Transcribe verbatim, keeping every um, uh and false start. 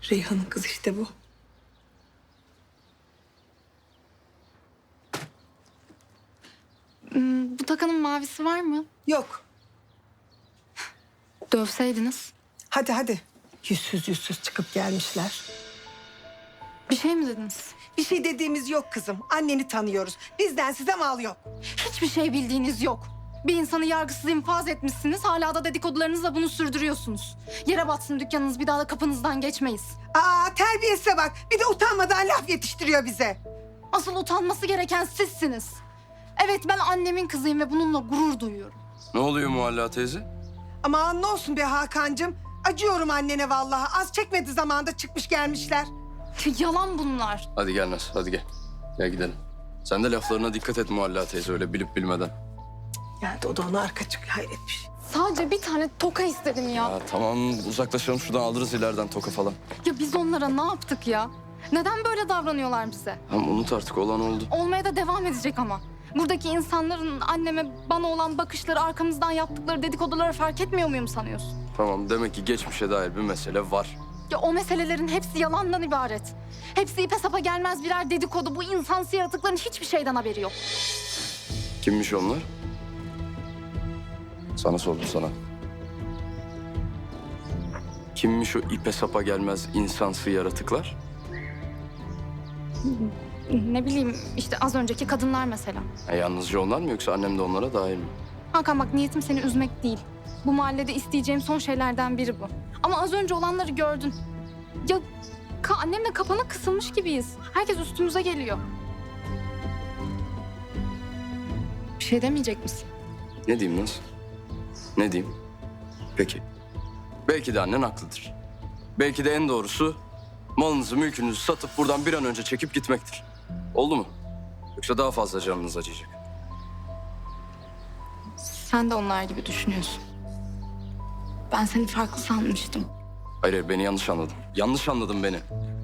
Reyhan'ın kız işte bu. Hmm, bu takanın mavisi var mı? Yok. Dövseydiniz. Hadi hadi. Yüzsüz yüzsüz çıkıp gelmişler. Bir şey mi dediniz? Bir şey dediğimiz yok kızım. Anneni tanıyoruz. Bizden size mal yok. Hiçbir şey bildiğiniz yok. Bir insanı yargısız infaz etmişsiniz. Hala da dedikodularınızla bunu sürdürüyorsunuz. Yere batsın dükkanınız, bir daha da kapınızdan geçmeyiz. Aa terbiyesize bak. Bir de utanmadan laf yetiştiriyor bize. Asıl utanması gereken sizsiniz. Evet, ben annemin kızıyım ve bununla gurur duyuyorum. Ne oluyor Muhalla teyze? Aman ne olsun be Hakan'cığım. Acıyorum annene vallahi. Az çekmedi zamanda çıkmış gelmişler. Yalan bunlar. Hadi gel Naz, hadi gel. Gel gidelim. Sen de laflarına dikkat et Muhalla teyze, öyle bilip bilmeden. Yani o da ona arka çıkıyor, hayret bir şey. Sadece bir tane toka istedim ya. Ya tamam, uzaklaşalım şuradan, alırız ileriden toka falan. Ya biz onlara ne yaptık ya? Neden böyle davranıyorlar bize? Tamam unut artık, olan oldu. Olmaya da devam edecek ama. Buradaki insanların anneme, bana olan bakışları, arkamızdan yaptıkları dedikoduları fark etmiyor muyum sanıyorsun? Tamam, demek ki geçmişe dair bir mesele var. Ya o meselelerin hepsi yalandan ibaret. Hepsi ipe sapa gelmez birer dedikodu. Bu insansı yaratıkların hiçbir şeyden haberi yok. Kimmiş onlar? Sana sordum sana. Kimmiş o ipe sapa gelmez insansı yaratıklar? Ne bileyim işte az önceki kadınlar mesela. Ha, yalnızca onlar mı yoksa annem de onlara dahil mi? Hakan bak, niyetim seni üzmek değil. Bu mahallede isteyeceğim son şeylerden biri bu. Ama az önce olanları gördün. Ya ka annemle kapana kısılmış gibiyiz. Herkes üstümüze geliyor. Bir şey demeyecek misin? Ne diyeyim Naz? Ne diyeyim? Peki. Belki de annen haklıdır. Belki de en doğrusu malınızı, mülkünüzü satıp buradan bir an önce çekip gitmektir. Oldu mu? Yoksa daha fazla canınız acıyacak. Sen de onlar gibi düşünüyorsun. Ben seni farklı sanmıştım. Hayır, hayır, beni yanlış anladın. Yanlış anladın beni.